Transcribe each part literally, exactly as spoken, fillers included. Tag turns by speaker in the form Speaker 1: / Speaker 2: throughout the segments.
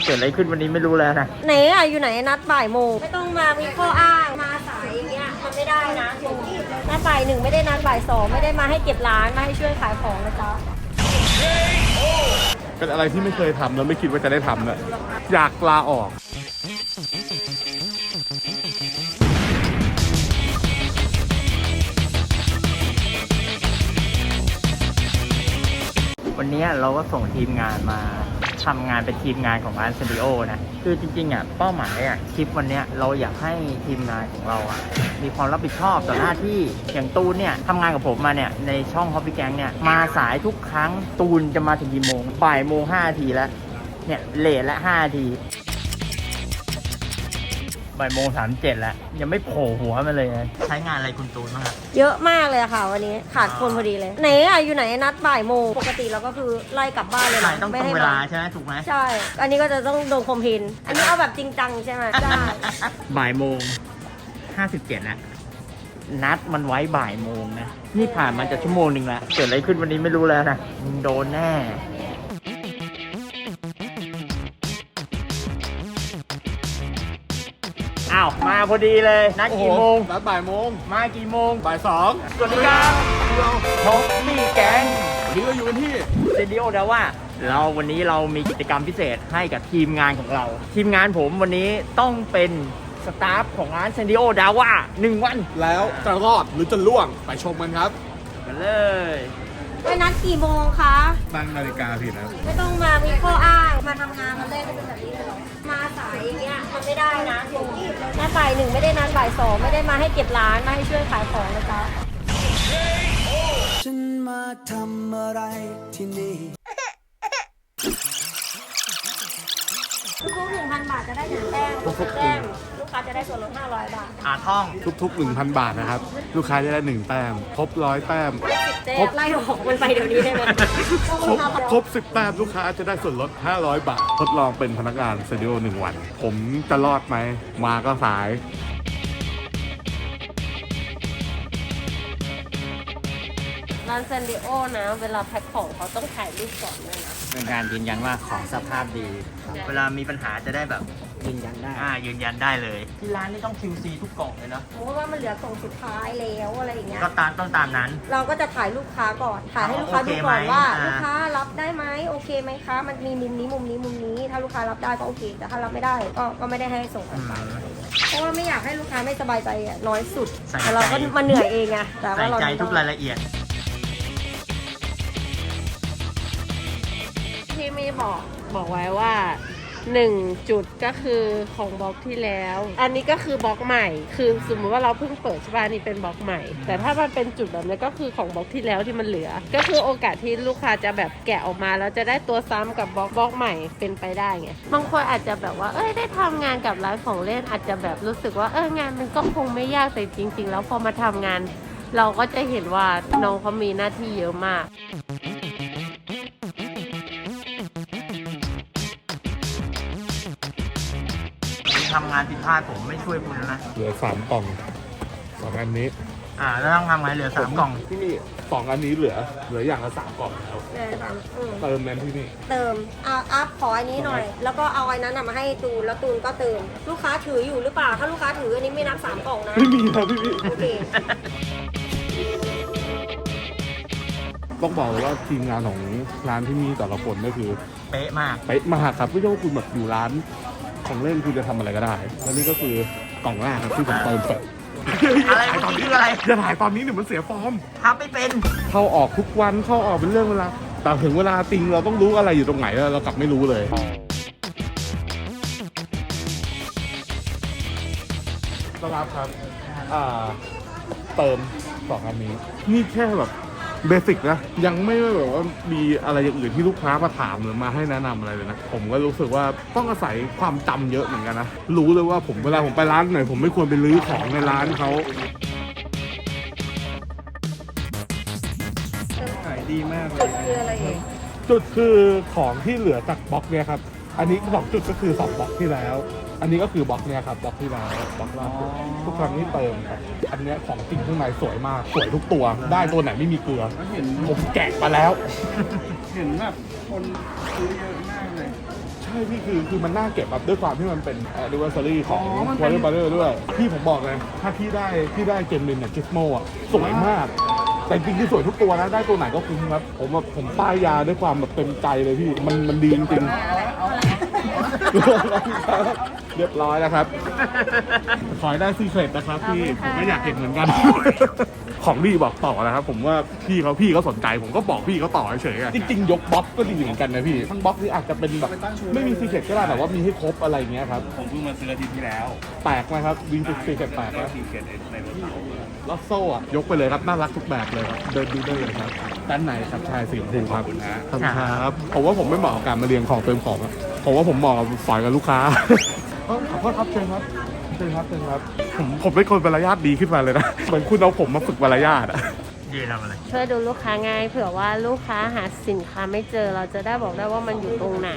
Speaker 1: เกิดอะไรขึ้นวันนี้ไม่รู้แล้วนะ
Speaker 2: ไหนอะอยู่ไหนนัดบ่ายโมงไม่ต้องมามีข้ออ้างมาสายอย่างเงี้ยมันไม่ได้นะนัดบ่ายหนึ่งไม่ได้นัดบ่ายสองไม่ได้มาให้เก็บร้านมาให้ช่วยขายของนะจ๊ะ
Speaker 3: เป็นอะไรที่ไม่เคยทำแล้วไม่คิดว่าจะได้ทำเลยอยากลาออก
Speaker 1: วันนี้เราก็ส่งทีมงานมาทำงานเป็นทีมงานของร้านสตูดิโอนะคือจริงๆอ่ะเป้าหมายอ่ะคลิปวันนี้เราอยากให้ทีมงานของเราอ่ะมีความรับผิดชอบต่อหน้าที่อย่างตูนเนี่ยทำงานกับผมมาเนี่ยในช่อง Hobby Gang เนี่ยมาสายทุกครั้งตูนจะมาถึงกี่โมงบ่ายโมงห้านาทีแล้วเนี่ยเลทละห้านาทีบ่ายโมงสามเจ็ดแล้วยังไม่โผล่หัวมาเลยนะใช้งานอะไรคุณตูนบ้างครับ
Speaker 2: เยอะมากเลยค่ะวันนี้ขาดคนพอดีเลยไหนอะอยู่ไหนนัดบ่ายโมงปกติเราก็คือไล่กลับบ้านเลยนะ
Speaker 1: ต้องตรงเวลาใช่ไหมถูกไหม
Speaker 2: ใช่อันนี้ก็จะต้องโดนคอมเพนอันนี้เอาแบบจริงจังใช่ไหมใช่
Speaker 1: บ่ายโมงห้าสิบเจ็ดแล้วนัดมันไว้บ่ายโมงนะนี่ผ่านมาจะชั่วโมงหนึ่งแล้วเกิดอะไรขึ้นวันนี้ไม่รู้แล้วนะมึงโดนแน่อ้าวมาพอดีเลยนัดกี่โมง
Speaker 3: นัดบ่ายโมง
Speaker 1: มากี่โมง
Speaker 3: บ่ายสอง
Speaker 1: สวัสดีครับทอมมี่แก๊ง
Speaker 3: วันนี้เราอยู่กันที่
Speaker 1: สตูดิโอแล้วว่าเราวันนี้เรามีกิจกรรมพิเศษให้กับทีมงานของเราทีมงานผมวันนี้ต้องเป็นสตาฟของร้านสตูดิโอดาว่าหนึ่งวัน
Speaker 3: แล้วจะรอดหรือจะล่วงไปชมกันครับ
Speaker 1: กันเลย
Speaker 2: ไปนัดกี่โมงคะ
Speaker 3: ตั้งนาฬิกาผิดนะ
Speaker 2: ไม่ต้องมามีข้ออ้างมาทำงานมันได้ก็เป็นแบบนี้เลยหรอมาสายอย่างเงี้ยมันไม่ได้นะนัดบ่ายหนึ่งไม่ได้นัดบ่ายสองไม่ได้มาให้เก็บร้านมาให้ช่วยขายของนะจ๊ะ
Speaker 4: ฉันมาทำอะไรที่นี่
Speaker 2: ทุกๆหนึ่งพันบาทจะได้หนึ่งแต้มทุกแต้มลูกค้าจะได้ส่วนลดห้าร้อยบาท
Speaker 1: อ่าท่อง
Speaker 3: ทุกๆ หนึ่งพัน บาทนะครับลูกค้าจะได้หนึ่งแต้มครบร้อยแต้ม
Speaker 2: ครบไล่ออกมันไปเดี๋ยวนี้ได้ไหม
Speaker 3: ครบครบสิบแต้มลูกค้าจะได้ส่วนลดห้าร้อยบาททดลองเป็นพนักงานสตูดิโอหนึ่งวันผมจะรอดไหมมาก็สาย
Speaker 2: ร้านเซนดิโอนะเวลาแพ็คของเขาต้องถ่ายรูปก่อนเลยนะ
Speaker 1: เป็นการยืนยันว่าของสภาพดีเวลามีปัญหาจะได้แบบยืนยันได้อ่ายืนยันได้เลยที่ร้านนี่ต้อง คิว ซี ทุกกล่องเลยเนาะ
Speaker 2: เพราะว่ามันเหลือกล่องสุดท้ายแล้วอะไรอย่างเงี้ย
Speaker 1: ก็ตามต้องตามนั้น
Speaker 2: เราก็จะถ่ายลูกค้าก่อนถ่ายให้ลูกค้าดูก่อนว่าลูกค้ารับได้ไหมโอเคไหมคะมันมีมุมนี้มุมนี้มุมนี้ถ้าลูกค้ารับได้ก็โอเคแต่ถ้ารับไม่ได้ก็ก็ไม่ได้ให้ส่งไปเพราะว่าไม่อยากให้ลูกค้าไม่สบายใจอ่ะน้อยสุดแต่เราก็มาเหนื่อยเองไงแต่ว่าเรา
Speaker 1: ใส่ใจทุกรายละเอียด
Speaker 5: ที่มีบอกบอกไว้ว่าหนึ่งจุดก็คือของบล็อกที่แล้วอันนี้ก็คือบล็อกใหม่คือสมมติว่าเราเพิ่งเปิดใช่ป่ะนี่เป็นบล็อกใหม่แต่ถ้ามันเป็นจุดแบบนี้ก็คือของบล็อกที่แล้วที่มันเหลือก็คือโอกาสที่ลูกค้าจะแบบแกะออกมาแล้วจะได้ตัวซ้ำกับบล็อกบล็อกใหม่เป็นไปได้ไงบางคนอาจจะแบบว่าเอ้ยได้ทำงานกับร้านของเล่นอาจจะแบบรู้สึกว่าเอองานมันก็คงไม่ยากแต่จริงๆแล้วพอมาทำงานเราก็จะเห็นว่าน้องเขามีหน้าที่เยอะมาก
Speaker 1: ทำงานผิดพลาดผมไม่ช่วยคุณนะ
Speaker 3: เหลือสามกล่องสองอันนี้
Speaker 1: อ่าแล้วต้องทำไงเหลือสามกล่อง
Speaker 3: ที่นี่สองอันนี้เหลือเหลืออย่างละสามกล่องแล้วเติมนั้นที่นี่
Speaker 2: เติมเอาอัพขออันนี้หน่อยแล้วก็เอาอันนั้นมาให้ตูนแล้วตูนก็เติมลูกค้าถืออยู่หรือเปล่าถ้าลูกค้าถืออันนี้ไม่นับสามกล่องนะ
Speaker 3: ไม่มีครับพี่พี่
Speaker 2: โอเค
Speaker 3: ต้องบอกว่าทีมงานของร้านที่มีแต่ละคนก็คือ
Speaker 1: เป๊ะมาก
Speaker 3: เป๊ะมากครับไม่ใช่ว่าคุณแบบอยู่ร้านของเล่นคุณจะทำอะไรก็ได้แล้วนี่ก็คือกล่องแรกครับที่ผมเติมเสร็จ
Speaker 1: อะไรเมื่อกี้คืออะไร
Speaker 3: จะถ่ายตอนนี้เดี๋ยวมันเสียฟอร์ม
Speaker 1: ทำไม่เป็น
Speaker 3: เข้าออกทุกวันเข้าออกเป็นเรื่องเวลาแต่ถึงเวลาจริงเราต้องรู้อะไรอยู่ตรงไหนแล้วเรากลับไม่รู้เลยต้อนรับครับอ่าเติมสองอันนี้นี่แค่แบบเบสิกนะยังไม่แบบว่ามีอะไรอย่างอื่นที่ลูกค้ามาถามหรือมาให้แนะนำอะไรเลยนะผมก็รู้สึกว่าต้องอาศัยความจำเยอะเหมือนกันนะรู้เลยว่าผมเวลาผมไปร้านไหนผมไม่ควรไปรื้อของในร้านเขาขายดีมากเลย
Speaker 2: จุดคืออะไรเอง
Speaker 3: จุดคือของที่เหลือจากบล็อกเนี่ยครับอันนี้สองจุดก็คือสองบล็อกที่แล้วอันนี้ก็คือบล็อกเนี่ยครับบล็อกที่แล้วบล็อกล่าสุดทุกครั้งที่เติมครับอันนี้ของจริงข้างในสวยมากสวยทุกตัวได้ตัวไหนไม่มีเกลือผมแกะมาแล้ว
Speaker 6: เห็นแบบคนซื้อเยอะมากเลย
Speaker 3: ใช่ช่พี่คือคือมันน่าเก็บแบบด้วยความที่มันเป็น anniversary ของ
Speaker 1: อ๋อมันเป็น
Speaker 3: Warner Brother ด้วย พี่ผมบอกเลย ถ้าพี่ได้พี่ได้เกมลินเนี่ยจิสโมอ่ะสวยมาก แต่จริงๆที่สวยทุกตัวนะ ได้ตัวไหนก็คุ้มครับ ผมแบบผมป้ายยาด้วยความแบบเต็มใจเลยพี่ มันมันดีจริงๆ เรียบร้อยแล้วครับ ขอให้ได้ซีเครตนะครับพี่ผมก็อยากเห็นเหมือนกัน ของดีบอกต่อนะครับ ผมว่าพี่เขาพี่เขาสนใจ ผมก็บอกพี่เขาต่อเฉยๆอะจริงๆ ยกบล็อกก็ดีเหมือนกันนะพี่ทั้งบล็อกนี่อาจจะเป็นแบบไม่มีซีเครตก็ได้แต่ว่ามีให้ครบอะไรเงี้ยครับ
Speaker 6: ผมเพิ่งมาซื้ออาทิตย์ที่แล้ว
Speaker 3: แปลกไหมครับวินจุดซีเครตแปลก
Speaker 6: ก็
Speaker 3: นะ
Speaker 6: ทีเกตในรถเขา
Speaker 3: ลอสโซ่อะยกไปเลยครับน่ารักทุกแบบเลยครับเดินดูได้เลยครับด้านในครับชายสีชมพูครับ
Speaker 6: ขอบคุณนะ
Speaker 3: ขอบคุณครับผมว่าผมไม่เหมาะกับการมาเรียงของเติมของอะผมว่าผมเหมาะกับสอยกับลูกค้า เอ้าขอโทษครับเชิญครับเชิญครับเชิญครับผมผมเป็นคนมารยาทดีขึ้นมาเลยนะเหมือนคุณเอาผมมาฝึกมารยาทอะ
Speaker 1: ยืนทำอะไร
Speaker 5: ช่วยดูลูกค้าง่ายเผื่อว่าลูกค้าหาสินค้าไม่เจอเราจะได้บอกได้ว่ามันอยู่ตรงไหน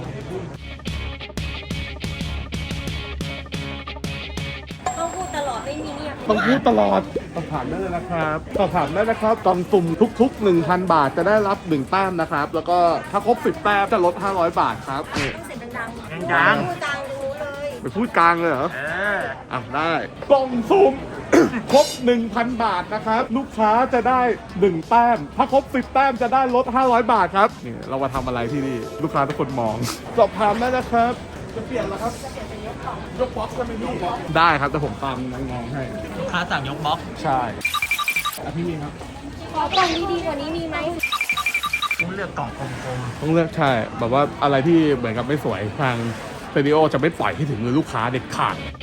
Speaker 2: ต้องพูดตลอดไม่มีเงียบ
Speaker 3: ต้องพูดตลอดสอบถามได้เลยนะครับสอบถามได้นะครับกล่องสุ่มทุกๆ หนึ่งพัน บาทจะได้รับหนึ่งแต้มนะครับแล้วก็ถ้าครบสิบแต้มจะลดห้าร้อยบาทครับนี่
Speaker 2: ต้องเสียงดังๆ
Speaker 1: ดังๆ
Speaker 2: พูดดังดูเลย
Speaker 3: ไปพูดกลางเลยเหรอ
Speaker 1: เออ
Speaker 3: อ่ะได้กล่องสุ่ม ครบ หนึ่งพัน บาทนะครับ ลูกค้าจะได้หนึ่งแต้ม ถ้าครบสิบแต้มจะได้ลดห้าร้อยบาทครับนี่เรามาทำอะไรที่นี่ ลูกค้าทุกคนมอง สอบถามได้นะครับ จะเปลี่ยนแล้วครับจะเปลี่ยนเป็นยกกล่องยกบ็อกซ์ใช่ไหมพี่ได้ครับแต่ผมตามน้องๆให้
Speaker 1: ลูกค้าสั่งยกบล็อก
Speaker 3: ใช่อ่ะพี่มีครับ
Speaker 2: ขอกล่องดีๆกว่านี้มีไหม
Speaker 1: ต้องเลือกกล่องกลม
Speaker 3: ต้องเลือกใช่แบบว่าอะไรที่เหมือนกับไม่สวยทางสตูดิโอจะไม่ปล่อยให้ถึงมือลูกค้าเด็ดขาด
Speaker 1: ๆ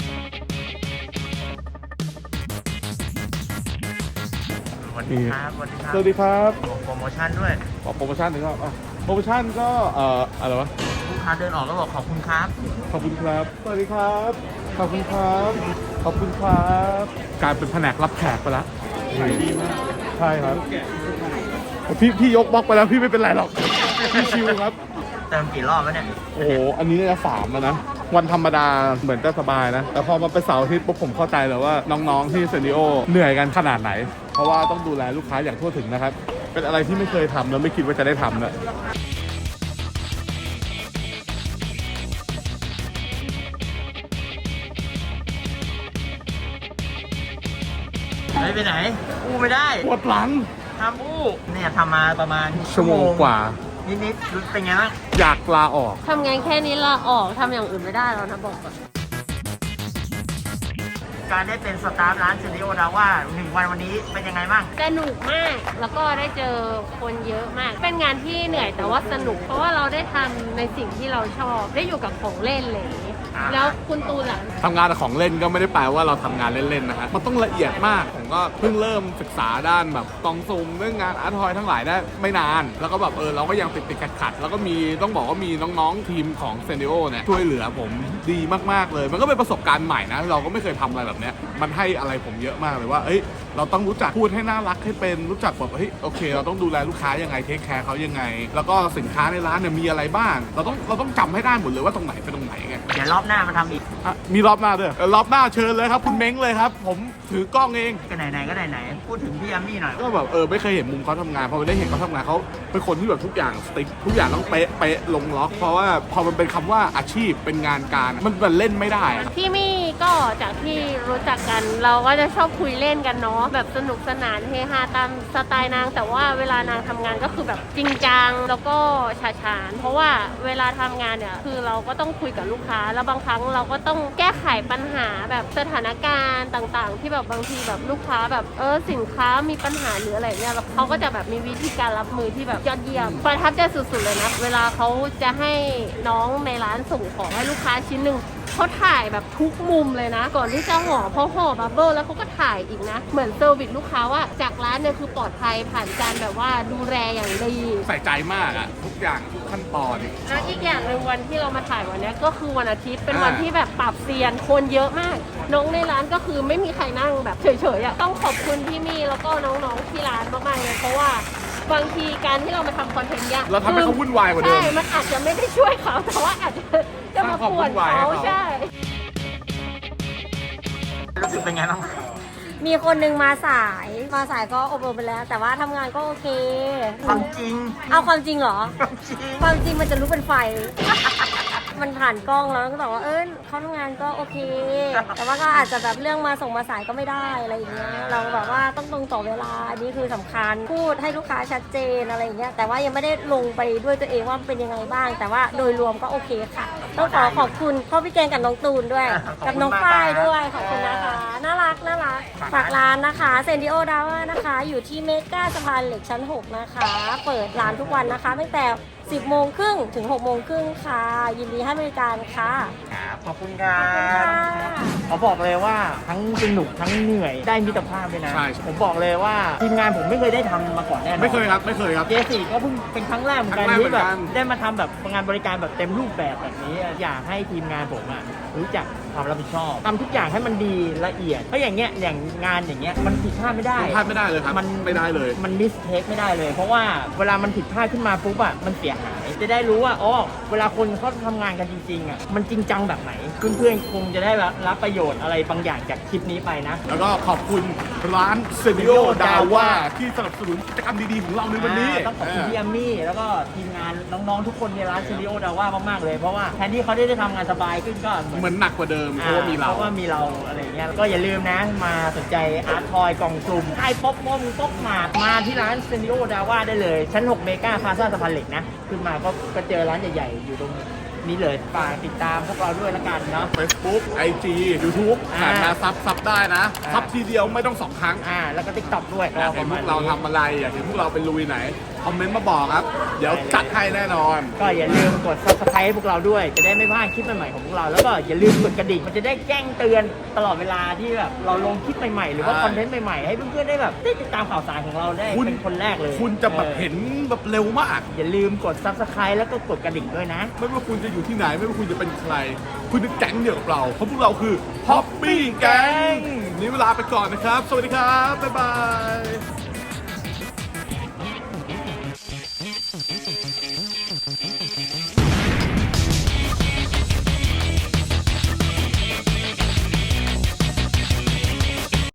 Speaker 1: สวัสดีครับสวัสดีครับ
Speaker 3: สวัสดีครับ
Speaker 1: ขอโปรโมชั่นด้วย
Speaker 3: ขอโปรโมชั่นหนึ่งครับอ่ะโปรโมชั่นก็เอ่ออะไรวะ
Speaker 1: ลูกค้าเดินออกก็บอกขอบคุณครับ
Speaker 3: ขอบคุณครับ สวัสดีครับ ขอบคุณครับ ขอบคุณครับกลายเป็นแผนกรับแขกไปแล้วดีมากใช่ครับพี่พี่ยกบล็อกไปแล้วพี่ไม่เป็นไรหรอกพี่ชิวครับ
Speaker 1: เติมกี่รอบแล้วเนี่ย
Speaker 3: โอ้โห อันนี้น่าจะสามแล้วนะ วันธรรมดาเหมือนจะสบายนะ แต่พอมาเป็นเสาร์อาทิตย์ปุ๊บผมเข้าใจเลยว่าน้องๆที่เซนิโอเหนื่อยกันขนาดไหน เพราะว่าต้องดูแลลูกค้าอย่างทั่วถึงนะครับ เป็นอะไรที่ไม่เคยทำแล้วไม่คิดว่าจะได้ทำนะ
Speaker 1: ไม่ไปไหน อู้ไม่ได้
Speaker 3: ปวดหลัง
Speaker 1: ทำอู้เนี่ยทำมาประมาณ
Speaker 3: ชั่วโมงกว่า
Speaker 1: นิดๆรู้เป็นไงบ้าง
Speaker 3: อยากลาออก
Speaker 5: ทำงานแค่นี้ลาออกทำอย่างอื่นไม่ได้แล้วนะบอกก่อน
Speaker 1: การได้เป็นสตาฟร้านสตูดิโอดาว่าหนึ่งวันวันนี้เป็นยังไงบ้าง
Speaker 5: สนุกมาก แล้วก็ได้เจอคนเยอะมาก เป็นงานที่เหนื่อยแต่ว่าสนุก เพราะว่าเราได้ทำในสิ่งที่เราชอบ ได้อยู่กับของเล่นเลย
Speaker 1: อ่า
Speaker 5: แล้วคุณตูนล่ะ
Speaker 3: ทำงานกับของเล่นก็ไม่ได้แปลว่าเราทำงานเล่นๆนะฮะมันต้องละเอียดมาก ผมก็เพิ่งเริ่มศึกษาด้านแบบกล่องซุ่มเรื่องงานอาร์ตทอยทั้งหลายได้ไม่นาน แล้วก็แบบเออเราก็ยังติดติดขัดขัดๆแล้วก็มีต้องบอกว่ามีน้องๆทีมของเซนดิโอเนี่ยช่วยเหลือผมดีมากๆเลย มันก็เป็นประสบการณ์ใหม่นะ เราก็ไม่เคยทำอะไรแบบเนี้ยมันให้อะไรผมเยอะมากเลยว่าเอ้ยเราต้องรู้จักพูดให้น่ารักให้เป็นรู้จักแบบเฮ้ยโอเค เราต้องดูแลลูกค้ายังไงเทคแคร์เขายังไง แล้วก็สินค้าในร้านเนี่ยมีอะไรบ้าง เราต้องเราต้องจำให้ได้หมดเลยว่าตรงไหนเป็นตรงไหนไง
Speaker 1: เดี๋ยวรอบหน้ามาทำอีก
Speaker 3: อ่ะมีรอบหน้าด้วยเออรอบหน้าเชิญเลยครับ คุณเม้งเลยครับ ผมถือกล้องเอง
Speaker 1: ก็ไหนๆก็ไหนๆพูดถึงพี่แอมมี่หน่อย
Speaker 3: ก็แบบเออไม่เคยเห็นมุมเขาทำงานพอไปได้เห็นเขาทำงานเขาเป็นคนที่แบบทุกอย่างสติ๊กทุกอย่างต้องเป๊ะเป๊ะลงล็อก เพราะว่าพอมันเป็นคำว่าอาชีพเป็นงานการมันมันเล่นไม่ได้อะ
Speaker 5: พี่มี่ก็จากที่รู้จักกัน เราก็จะชอบคุยเล่นกันเนาะแบบสนุกสนานเฮฮาตามสไตล์นาง แต่ว่าเวลานางทำงานก็คือแบบจริงจังแล้วก็ฉาฉาน เพราะว่าเวลาทำงานเนี่ยคือเราก็ต้องคุยกับลูกค้า แล้วบางครั้งเราก็ต้องแก้ไขปัญหาแบบสถานการณ์ต่างๆ ที่แบบบางทีแบบลูกค้าแบบเออสินค้ามีปัญหาหรืออะไรเนี่ยแล้วเขาก็จะแบบมีวิธีการรับมือที่แบบยอดเยี่ยมประทับใจสุดๆเลยนะเวลาเขาจะให้น้องในร้านส่งของให้ลูกค้าชิ้นหนึ่งเขาถ่ายแบบทุกมุมเลยนะ ก่อนที่จะห่อพอห่อบับเบิ้ลแล้วเขาก็ถ่ายอีกนะ เหมือนเซอร์วิสลูกค้าว่าจากร้านเนี่ยคือปลอดภัยผ่านการแบบว่าดูแลอย่างดี
Speaker 3: ใส่ใจมากอะทุกอย่างทุกขั้นตอน
Speaker 5: แล้วอีกอย่างหนึ่งวันที่เรามาถ่ายวันเนี้ยก็คือวันอาทิตย์เป็น
Speaker 3: อ่า
Speaker 5: วันที่แบบปรับเซียนคนเยอะมาก น้องในร้านก็คือไม่มีใครนั่งแบบเฉยๆอ่ะต้องขอบคุณพี่มี่แล้วก็น้องๆที่ร้านมากๆเลยเพราะว่าบางทีการที่เรามาทำคอนเทนต์เนี่ย
Speaker 3: เราทำให้เขาวุ่นวายกว่าเดิม
Speaker 5: ใช่มันอาจจะไม่ได้ช่วยเขาแต่ว่าอาจจะจะมาป่วนเขา
Speaker 3: สร้างความวุ่นวายให้เขา
Speaker 5: ใช่
Speaker 1: รู้สึกเป็นไงบ้าง
Speaker 2: มีคนหนึ่งมาสาย มาสายก็อบรมไปแล้ว แต่ว่าทำงานก็โอเค
Speaker 1: ความจริง
Speaker 2: เอาความจริงเหรอ
Speaker 1: ความจริง
Speaker 2: ความจริงมันจะลุกเป็นไฟมันผ่านกล้องแล้วก็บอกว่าเออเขาทำงานก็โอเค แต่ว่าก็อาจจะแบบเรื่องมาส่งมาสายก็ไม่ได้อะไรอย่างเงี้ยเราแบบว่าต้องตรงต่อเวลาอันนี้คือสำคัญพูดให้ลูกค้าชัดเจนอะไรอย่างเงี้ยแต่ว่ายังไม่ได้ลงไปด้วยตัวเองว่าเป็นยังไงบ้าง แต่ว่าโดยรวมก็โอเคค่ะต้องขอขอบคุณพ่อพี่แกงกับน้องตูนด้วย กับน้องฝ้ายด้วยขอบคุณนะคะน่ารักน่ารักฝากร้านนะคะเซนดิโอดาว่านะคะอยู่ที่เมกาสะพานเหล็กชั้นหกนะคะ เปิดร้านทุกวันนะคะตั้งแต่สิบโมงครึ่งถึงหกโมงครึ่งค่ะ ยินดีให้บริการค่ะ
Speaker 1: ครับขอบคุณครั
Speaker 2: ขอบคุณค่ะ
Speaker 1: บเขาบอกเลยว่าทั้งสนุกทั้งเหนื่อยได้มิตรภาพด้วยนะ
Speaker 3: ใช่
Speaker 1: ผมบอกเลยว่าทีมงานผมไม่เคยได้ทำมาก่อนแน่นอน
Speaker 3: ไม่เคยครับไม่เคยครับ
Speaker 1: เจสี่ก็เพิ่งเป็นครั้งแรกเหมือนกัน
Speaker 3: ครั้งแรก
Speaker 1: ที่แบบ
Speaker 3: เหมือนกัน
Speaker 1: ได้มาทำแบบงานบริการแบบเต็มรูปแบบแบบนี้ อยากให้ทีมงานผมอะรู้จักความรับผิดชอบทำทุกอย่างให้มันดีละเอียดเพราะอย่างเงี้ยอย่างงานอย่างเงี้ยมันผิดพลาดไม่ได้
Speaker 3: พลาดไม่ได้เลยครับ
Speaker 1: มัน
Speaker 3: ไม่ได้เลย
Speaker 1: มันมิสเทคไม่ได้เลย เพราะว่าเวลามันผิดพลาดขึ้นมาปุ๊บอะมันเสียหายจะได้รู้ว่าอ๋อเวลาคนเขาทำงานกันจริงๆอะมันจริงจังแบบไหนเพื่อนๆคงจะได้รับประโยชน์อะไรบางอย่างจากคลิปนี้ไปนะ
Speaker 3: แล้วก็ขอบคุณร้านเซนิโอดาว่าที่สนับสนุนกิจกรรมดีๆของเราในวันนี้
Speaker 1: อ่าต้องขอบคุณพี่แอมมี่แล้วก็ทีมงานน้องๆทุกคนในร้านซีรีโอดาว่ามากๆเลยเพราะว่าแทนที่เขาได้ได้ทำงานสบายขึ้นก็
Speaker 3: เหมือนหนักกว่าเดิมเพราะว่ามีเรา
Speaker 1: เพราะว่ามีเราอะไรอย่างเงี้ยก็อย่าลืมนะมาสนใจอาร์ตทอยกล่องสุ่มไอ้ป๊อปมอมป๊อปมาดมาที่ร้านซีรีโอดาว่าได้เลยชั้นหกเมกาพาซาสะพานเหล็กนะขึ้นมาก็ก็เจอร้านใหญ่ๆอยู่ตรงนี้เลยฝากติดตามพวกเราด้วยละกันเนาะ
Speaker 3: Facebook ไอ จี YouTube
Speaker 1: อ่า
Speaker 3: ผ่านมาซับซับได้นะ
Speaker 1: อ่า
Speaker 3: ซับทีเดียวไม่ต้องสองครั้ง
Speaker 1: อ่าแล้วก็ติ๊กต็อกด้วย
Speaker 3: อยากเห็นพวกเราทำอะไรอยากเห็นพวกเราเป็นลุยไหน คอมเมนต์มาบอกครับ เดี๋ยวจัดให้แน่นอน
Speaker 1: ก็อย่าลืมกด ซับสไครบ์ ให้พวกเราด้วย จะได้ไม่พลาดคลิปใหม่ๆของพวกเรา แล้วก็อย่าลืมกดกระดิ่ง มันจะได้แจ้งเตือนตลอดเวลาที่แบบเราลงคลิปใหม่ๆ หรือว่า
Speaker 3: ใช่
Speaker 1: คอนเทนต์ใหม่ๆ ให้เพื่อนๆได้แบบได้ติดตามข่าวสารของเราได้
Speaker 3: คุณ
Speaker 1: เป็นคนแรกเลย
Speaker 3: คุณจะแบบ
Speaker 1: ออ
Speaker 3: เห็นแบบเร็วมาก
Speaker 1: อย่าลืมกด ซับสไครบ์ แล้วก็กดกระดิ่งด้วยนะ
Speaker 3: ไม่ว่าคุณจะอยู่ที่ไหน ไม่ว่าคุณจะเป็นใคร คุณจะแก๊งเดียวกับเรา เพราะพวกเราคือ Hoppy Gang นี้เวลาไปก่อนนะครับ สวัสดีครับ บ๊ายบาย